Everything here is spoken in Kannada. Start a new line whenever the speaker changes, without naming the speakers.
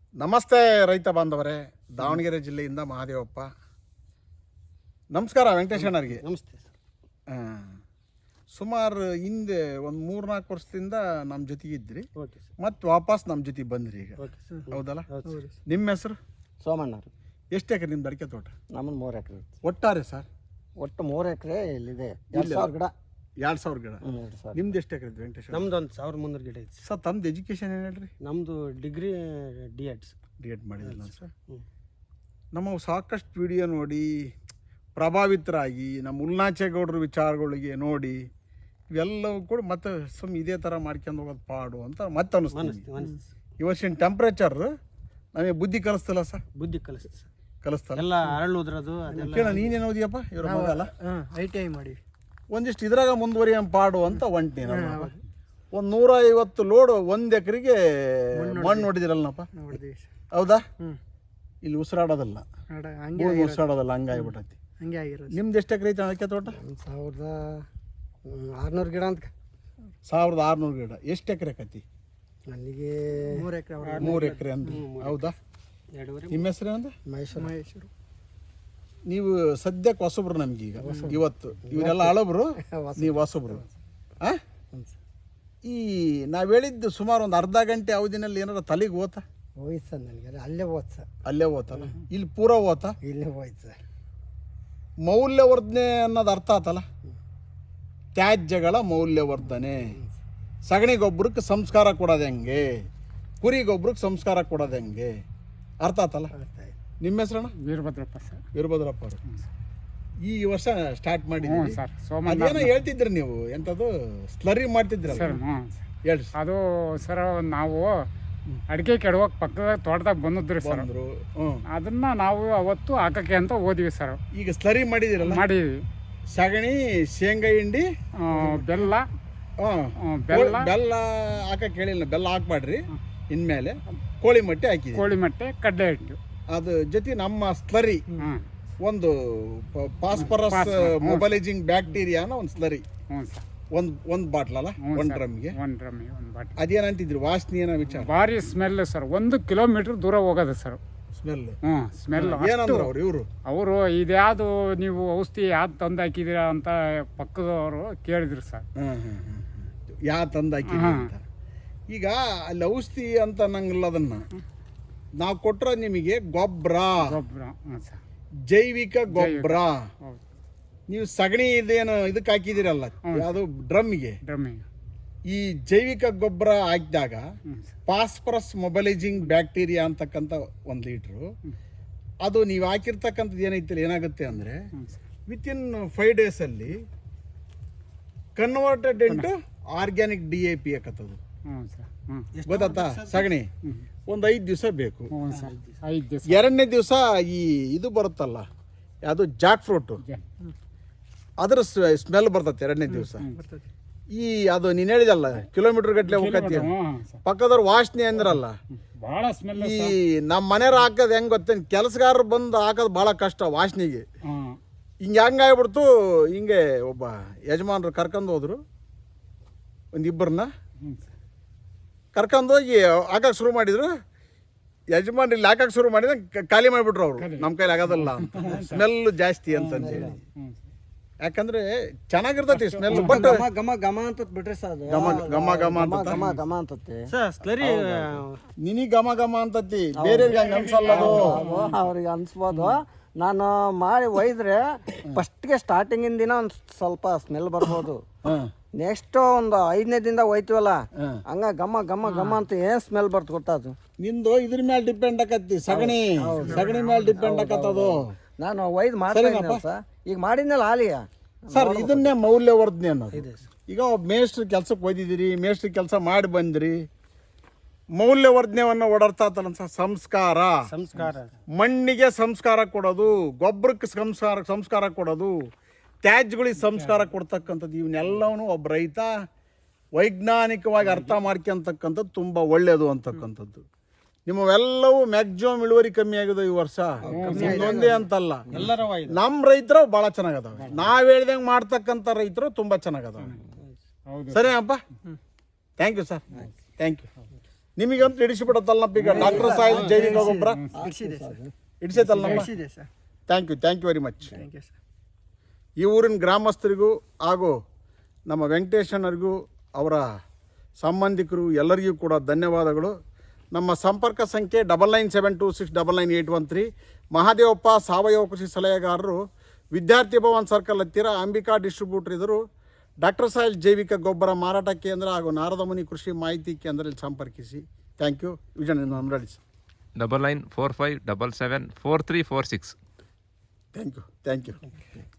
ನಮಸ್ತೆ ರೈತ ಬಾಂಧವರೇ, ದಾವಣಗೆರೆ ಜಿಲ್ಲೆಯಿಂದ ಮಹಾದೇವಪ್ಪ. ನಮಸ್ಕಾರ ವೆಂಕಟೇಶಣ್ಣರಿಗೆ.
ನಮಸ್ತೆ ಸರ್.
ಸುಮಾರು ಹಿಂದೆ ಒಂದು 3-4 ವರ್ಷದಿಂದ ನಮ್ಮ ಜೊತೆಗೆ ಇದ್ರಿ,
ಓಕೆ ಸರ್.
ಮತ್ತು ವಾಪಸ್ ನಮ್ಮ ಜೊತೆಗೆ ಬಂದ್ರಿ ಈಗ,
ಓಕೆ ಸರ್.
ಹೌದಲ್ಲ?
ಹೌದು ಸರ್.
ನಿಮ್ಮ ಹೆಸರು?
ಸೋಮಣ್ಣರು.
ಎಷ್ಟು ಎಕರೆ ನಿಮ್ದು ಅಡಿಕೆ ತೋಟ?
ನಮ್ಮದು 3 ಎಕರೆ.
ಒಟ್ಟಾರೆ ಸರ್
ಒಟ್ಟು 3 ಎಕರೆ ಇಲ್ಲಿದೆ. 2000 ಗಿಡ.
2000 ಗಿಡ.
2000.
ನಿಮ್ದು ಎಷ್ಟು ಎಕರೆ ವೆಂಕಟೇಶ್?
ನಮ್ದು ಒಂದು 1300 ಗಿಡ ಐತಿ
ಸರ್. ತಮ್ದು ಎಜುಕೇಶನ್ ಏನು ಹೇಳ್ರಿ?
ನಮ್ಮದು ಡಿಗ್ರಿ ಡಿ.ಎಡ್.
ಡಿ.ಎಡ್ ಮಾಡಿದಿಲ್ಲ ಸರ್. ನಮ್ಮ ಸಾಕಷ್ಟು ವಿಡಿಯೋ ನೋಡಿ ಪ್ರಭಾವಿತರಾಗಿ ನಮ್ಮ ಉಲ್ನಾಚೇಗೌಡರ ವಿಚಾರಗಳಿಗೆ ನೋಡಿ ಇವೆಲ್ಲವೂ ಕೂಡ ಮತ್ತೆ ಇದೇ ಥರ ಮಾಡ್ಕೊಂಡು ಹೋಗೋದು ಪಾಡು ಅಂತ ಮತ್ತೆ ಅನ್ನಿಸ್ತೀವಿ. ಈ ವರ್ಷಿನ ಟೆಂಪ್ರೇಚರ್ ನಮಗೆ ಬುದ್ಧಿ ಕಲಿಸ್ತಿಲ್ಲ ಸರ್.
ಬುದ್ಧಿ ಕಲಿಸ್ತದೆ ಸರ್.
ಕಲಿಸ್ತಲ್ಲ
ಎಲ್ಲ ಅರಳುದ್ರದು ಅದೆಲ್ಲ.
ಕೇಳ, ನೀನೇನು ಓದಿಯಪ್ಪ? ಇವ್ರ ಮಗ ಅಲ್ಲ,
ITI ಮಾಡಿ
ಒಂದಿಷ್ಟು ಇದ್ರಾಗ ಮುಂದುವರಿಯ ಪಾಡು ಅಂತ ಒಂಟಿ. ಒಂದು 150 ಲೋಡ್ 1 ಎಕರೆಗೆ ಮಣ್ಣು ಹೊಡಿದಿರಲ್ಲಪ್ಪ, ಹೌದಾ? ಇಲ್ಲಿ ಉಸಿರಾಡೋದಲ್ಲ, ಉಸಿರಾಡೋದಲ್ಲ, ಹಂಗಾಗ್ಬಿಟ್ಟೈತಿ. ನಿಮ್ದು ಎಷ್ಟು ಎಕರೆ ಐತೆ ಅಡಿಕೆ ತೋಟ?
1600 ಗಿಡ ಅಂತ.
1600 ಗಿಡ. ಎಷ್ಟು ಎಕರೆ ಆಕತಿ?
ನನಗೆ
3 ಎಕರೆ ಅಂದ್ರೆ, ಹೌದಾ? ನಿಮ್ಮ ಹೆಸರು ಏನಂದ್ರೆ?
ಮಹೇಶ್ವರ.
ನೀವು ಸದ್ಯಕ್ಕೆ ಹೊಸಬ್ರು ನಮ್ಗೆ ಈಗ, ಇವತ್ತು ಇವರೆಲ್ಲ ಹಳಬ್ರು, ನೀವು ಹೊಸಬ್ರು. ಈ ನಾವು ಹೇಳಿದ್ದು ಸುಮಾರು ಒಂದು ಅರ್ಧ ಗಂಟೆ ಅವಧಿನಲ್ಲಿ ಏನಾರ ತಲೆಗೆ ಹೋತಾ?
ಹೋಯ್ತು ಸರ್. ನನಗೆ ಅಲ್ಲೇ ಹೋಯ್ತು ಸರ್.
ಅಲ್ಲೇ ಹೋತಲ್ಲ, ಇಲ್ಲಿ ಪೂರ ಹೋತಾ?
ಇಲ್ಲೇ ಹೋಯ್ತು ಸರ್.
ಮೌಲ್ಯವರ್ಧನೆ ಅನ್ನೋದು ಅರ್ಥ ಆತಲ್ಲ, ತ್ಯಾಜ್ಯಗಳ ಮೌಲ್ಯವರ್ಧನೆ. ಸಗಣಿ ಗೊಬ್ಬರಕ್ಕೆ ಸಂಸ್ಕಾರ ಕೊಡೋದು ಹೆಂಗೆ, ಕುರಿ ಗೊಬ್ಬರಕ್ಕೆ ಸಂಸ್ಕಾರ ಕೊಡೋದು ಹೆಂಗೆ, ಅರ್ಥ ಆತಲ್ಲ? ನಿಮ್ಮ ಹೆಸರಣ್ಣ?
ವೀರಭದ್ರಪ್ಪ ಸರ್.
ವೀರಭದ್ರಪ್ಪ ಅವರು ಈ ವರ್ಷ ಸ್ಟಾರ್ಟ್ ಮಾಡಿದ್ದೀವಿ
ಸರ್.
ಅದೇನೋ ಹೇಳ್ತಿದ್ರಿ ನೀವು, ಎಂಥದ್ದು ಸ್ಲರಿ ಮಾಡ್ತಿದ್ರಲ್ಲ, ಹೇಳಿ.
ಅದು ಸರ್, ನಾವು ಅಡಿಕೆ ಕೆಡವಾಗ ಪಕ್ಕದ ತೋಟದಾಗ ಬಂದಿದ್ರಿ ಸರ್. ಅದನ್ನ ನಾವು ಅವತ್ತು ಹಾಕಕ್ಕೆ ಅಂತ ಹೋದ್ವಿ ಸರ್.
ಈಗ ಸ್ಲರಿ ಮಾಡಿದಿರಲ್ಲ,
ಮಾಡಿದ್ವಿ.
ಸಗಣಿ, ಶೇಂಗಾ ಹಿಂಡಿ,
ಬೆಲ್ಲ
ಬೆಲ್ಲ ಹಾಕಕ್ಕೆ ಹೇಳಿಲ್ಲ. ಬೆಲ್ಲ ಹಾಕ್ಬಾಡ್ರಿ, ಇನ್ಮೇಲೆ ಕೋಳಿ ಮೊಟ್ಟೆ ಹಾಕಿ,
ಕೋಳಿ ಮೊಟ್ಟೆ, ಕಡ್ಲೆ ಹಿಟ್ಟು,
ಅದು ಜೊತೆ ನಮ್ಮ ಸ್ಲರಿ ಒಂದು ಫಾಸ್ಫರಸ್ ಮೊಬಲೈಜಿಂಗ್ ಬ್ಯಾಕ್ಟೀರಿಯಾನ ಒಂದು ಸ್ಲರಿ, ಒಂದು ಬಾಟ್ಲ್ ಅಲ್ಲ, 1 ಡ್ರಮ್ಗೆ
1 ಬಾಟ್ಲ್.
ಅದೇನಂತಿದ್ರು, ವಾಸನೆ ಏನೋ ವಿಚಾರ?
ಭಾರಿ ಸ್ಮೆಲ್ ಸರ್. 1 ಕಿಲೋಮೀಟರ್ ದೂರ ಹೋಗೋದು ಸರ್
ಸ್ಮೆಲ್.
ಸ್ಮೆಲ್.
ಏನಂದ್ರು ಅವರು
ಇದ್ಯಾವುದು ನೀವು ಔಷಧಿ ಯಾವ್ದು ತಂದು ಹಾಕಿದ್ದೀರಾ ಅಂತ ಪಕ್ಕದವರು ಕೇಳಿದ್ರು ಸರ್.
ಯಾ ತಂದು ಹಾಕಿದ್ರಿ ಅಂತ. ಈಗ ಅಲ್ಲಿ ಔಷಧಿ ಅಂತ ನಂಗಿಲ್ಲ, ಅದನ್ನ ನಾವು ಕೊಟ್ಟರೆ ನಿಮಗೆ ಗೊಬ್ಬರ, ಜೈವಿಕ ಗೊಬ್ಬರ. ನೀವು ಸಗಣಿ ಇದೇನು ಇದಕ್ಕೆ ಹಾಕಿದಿರಲ್ಲ, ಯಾವುದು ಡ್ರಮ್ಗೆ, ಈ ಜೈವಿಕ ಗೊಬ್ಬರ ಹಾಕಿದಾಗ ಫಾಸ್ಫರಸ್ ಮೊಬಲೈಜಿಂಗ್ ಬ್ಯಾಕ್ಟೀರಿಯಾ ಅಂತಕ್ಕಂಥ 1 ಲೀಟ್ರು, ಅದು ನೀವು ಹಾಕಿರ್ತಕ್ಕಂಥದ್ದು ಏನೈತಿಲ್ಲ, ಏನಾಗುತ್ತೆ ಅಂದರೆ ವಿತಿನ್ 5 ಡೇಸಲ್ಲಿ ಕನ್ವರ್ಟೆಡ್ ಇಂಟು ಆರ್ಗ್ಯಾನಿಕ್ DAP ಹಾಕತ್ತದು. ಗೊತ್ತಾತ? ಸಗಣಿ ಒಂದು 5 ದಿವಸ ಬೇಕು. 2ನೇ ದಿವಸ ಈ ಇದು ಬರುತ್ತಲ್ಲ, ಯಾವುದು ಜಾಕ್ ಫ್ರೂಟು, ಅದರ ಸ್ಮೆಲ್ ಬರ್ತದೆ 2ನೇ ದಿವಸ. ಈ ಅದು ನೀನು ಹೇಳಿದಲ್ಲ, ಕಿಲೋಮೀಟರ್ ಗಟ್ಟಲೆ ಹೋಗತ್ತಿ, ಪಕ್ಕದವ್ರು ವಾಸನೆ ಅಂದ್ರಲ್ಲ,
ಭಾಳ ಸ್ಮೆಲ್.
ಈ ನಮ್ಮ ಮನೆಯವ್ರು ಹಾಕೋದು ಹೆಂಗೆ ಗೊತ್ತೇನು, ಕೆಲಸಗಾರರು ಬಂದು ಹಾಕೋದು ಭಾಳ ಕಷ್ಟ ವಾಸನೆಗೆ. ಹಂಗಾಗ್ಬಿಡ್ತು. ಹಿಂಗೆ ಒಬ್ಬ ಯಜಮಾನ್ರು ಕರ್ಕೊಂಡು ಹೋದ್ರು, ಒಂದಿಬ್ಬರನ್ನ ಕರ್ಕೊಂಡೋಗಿ ಹಾಕಕ್ಕೆ ಶುರು ಮಾಡಿದ್ರು. ಯಜಮಾನ್ ಇಲ್ಲಿ ಹಾಕಕ್ಕೆ ಶುರು ಮಾಡಿದ್ರೆ ಖಾಲಿ ಮಾಡಿಬಿಟ್ರು ಅವರು, ನಮ್ಮ ಕೈಲಿ ಆಗೋದಲ್ಲ ಅಂತ, ಸ್ಮೆಲ್ ಜಾಸ್ತಿ ಅಂತಂದೇಳಿ. ಯಾಕಂದ್ರೆ ಚೆನ್ನಾಗಿರ್ತೈತಿ ಸ್ಮೆಲ್, ಬಟ್
ಗಮ ಗಮ ಅಂತ ಬಿಟ್ರೆ ಸರ್,
ಗಮ ಗಮ ಅಂತ
ಗಮ ಅಂತತೆ ಸ್ಲರಿ.
ನಿನಗೆ ಗಮ ಗಮ ಅಂತತಿ, ಬೇರೆಯವ್ರಿಗೆ ಹಂಗೆ ಅನ್ಸಲ್ಲ ಅದು.
ಅವ್ರಿಗೆ ಅನ್ಸ್ಬೋದು. ನಾನು ಮಾಡಿ ಒಯ್ದ್ರೆ ಫಸ್ಟ್ಗೆ ಸ್ಟಾರ್ಟಿಂಗಿನ ದಿನ ಒಂದು ಸ್ವಲ್ಪ ಸ್ಮೆಲ್ ಬರ್ಬೋದು. ನೆಕ್ಸ್ಟ್ ಒಂದು 5ನೇ ದಿನದ ಒಯ್ತೀವಲ್ಲ, ಹಂಗ ಗಮ ಗಮ ಗಮ ಅಂತ ಏನ್ ಸ್ಮೆಲ್ ಬರ್ತ ಗೊತ್ತದು.
ನಿಂದು ಇದ್ರ ಮೇಲೆ ಡಿಪೆಂಡ್ ಆಕತಿ, ಸಗಣಿ ಮೇಲೆ ಡಿಪೆಂಡ್ ಆಕತ್ತದು.
ನಾನು ಒಯ್ದು ಮಾಡ್ತೀನಿ ಸರ್. ಈಗ ಮಾಡಿದ್ನಲ್ಲ ಹಾಲಿಯ
ಸರ್, ಇದನ್ನೇ ಮೌಲ್ಯವರ್ಧನೆ ಅನ್ನೋದು. ಈಗ ಒಬ್ಬ ಮೇಸ್ಟ್ರು ಕೆಲ್ಸಕ್ಕೆ ಒಯ್ದಿದ್ದೀರಿ, ಮೇಸ್ಟ್ರು ಕೆಲಸ ಮಾಡಿ ಬಂದ್ರಿ, ಮೌಲ್ಯವರ್ಧನೆಯನ್ನು ಓಡಾಡ್ತಾತಲ್ಲ ಸಂಸ್ಕಾರ. ಮಣ್ಣಿಗೆ ಸಂಸ್ಕಾರ ಕೊಡೋದು, ಗೊಬ್ಬರಕ್ಕೆ ಸಂಸ್ಕಾರ ಕೊಡೋದು, ತ್ಯಾಜ್ಯಗಳಿಗೆ ಸಂಸ್ಕಾರ ಕೊಡ್ತಕ್ಕಂಥದ್ದು, ಇವನ್ನೆಲ್ಲವೂ ಒಬ್ಬ ರೈತ ವೈಜ್ಞಾನಿಕವಾಗಿ ಅರ್ಥ ಮಾಡ್ಕೊಂತಕ್ಕಂಥದ್ದು ತುಂಬ ಒಳ್ಳೆಯದು ಅಂತಕ್ಕಂಥದ್ದು. ನಿಮ್ಮವೆಲ್ಲವೂ ಮ್ಯಾಕ್ಸಿಮಮ್ ಇಳುವರಿ ಕಮ್ಮಿ ಆಗಿದೆ ಈ ವರ್ಷ, ಒಂದೇ ಅಂತಲ್ಲ, ನಮ್ಮ ರೈತರು ಭಾಳ ಚೆನ್ನಾಗದಾವೆ. ನಾವು ಹೇಳ್ದಂಗೆ ಮಾಡ್ತಕ್ಕಂಥ ರೈತರು ತುಂಬ ಚೆನ್ನಾಗದಾವೆ. ಸರಿ ಅಪ್ಪ, thank you sir, thank you. ನಿಮಗಂತೂ ಇಡಿಸಿಬಿಡತ್ತಲ್ಲಪ್ಪ ಈಗ ಡಾಕ್ಟರ್ ಸಾಯಿಲ್ ಜೈವಿಕ ಗೊಬ್ಬರ ಇಡಿಸೈತಲ್ಲಮ್ಮ. Thank you very much. ಈ ಊರಿನ ಗ್ರಾಮಸ್ಥರಿಗೂ ಹಾಗೂ ನಮ್ಮ ವೆಂಕಟೇಶಣ್ಣರಿಗೂ ಅವರ ಸಂಬಂಧಿಕರು ಎಲ್ಲರಿಗೂ ಕೂಡ ಧನ್ಯವಾದಗಳು. ನಮ್ಮ ಸಂಪರ್ಕ ಸಂಖ್ಯೆ 9972699813. ಮಹಾದೇವಪ್ಪ ಸಾವಯವ ಕೃಷಿ ಸಲಹೆಗಾರರು, ವಿದ್ಯಾರ್ಥಿ ಭವನ್ ಸರ್ಕಲ್ ಹತ್ತಿರ, ಅಂಬಿಕಾ ಡಿಸ್ಟ್ರಿಬ್ಯೂಟರ್ ಇದ್ದರು. ಡಾಕ್ಟರ್ ಸಾಯಿಲ್ ಜೈವಿಕ ಗೊಬ್ಬರ ಮಾರಾಟ ಕೇಂದ್ರ ಹಾಗೂ ನಾರದಮುನಿ ಕೃಷಿ ಮಾಹಿತಿ ಕೇಂದ್ರದಲ್ಲಿ ಸಂಪರ್ಕಿಸಿ. Thank you. ವಿಜಯ್ ನಮ್ರಡಿ ಸರ್.
9945774346.
Thank you.